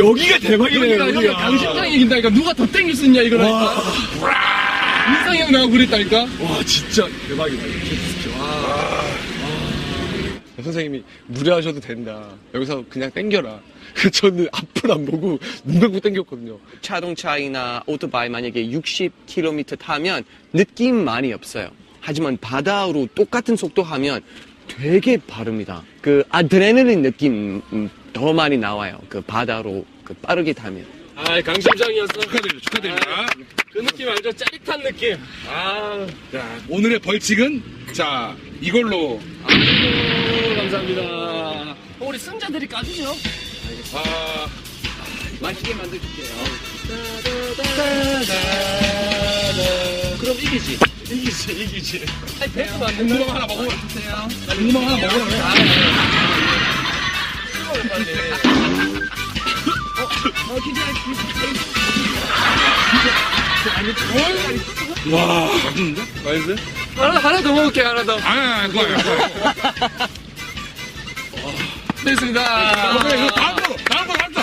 여기가 대박이네요. 여기가 강심장이 이긴다니까. 누가 더 땡길 수 있냐 이거라니까. 민상이 형 나하고 그랬다니까. 와, 진짜 대박이다. 선생님이 무리하셔도 된다. 여기서 그냥 땡겨라. 저는 앞을 안 보고 눈 감고 땡겼거든요. 자동차이나 오토바이 만약에 60km 타면 느낌 많이 없어요. 하지만 바다로 똑같은 속도 하면 되게 빠릅니다. 그 아드레날린 느낌 더 많이 나와요. 그 바다로 그 빠르게 타면. 아, 강심장이었어. 축하드립니다. 그 느낌 알죠? 짜릿한 느낌. 자, 오늘의 벌칙은, 자, 이걸로. 아이고, 감사합니다. 우리 승자들이 까주죠. 맛있게 만들어줄게요. 그럼 이기지. 이기지. 아니, 배도 만든다. 궁금한 하나 먹어. 궁금한 하나 먹어. 와, 맛있는데? 맛있어요? 하나 더 먹을게, 하나 더. 그거예요. 됐습니다. 다음 거.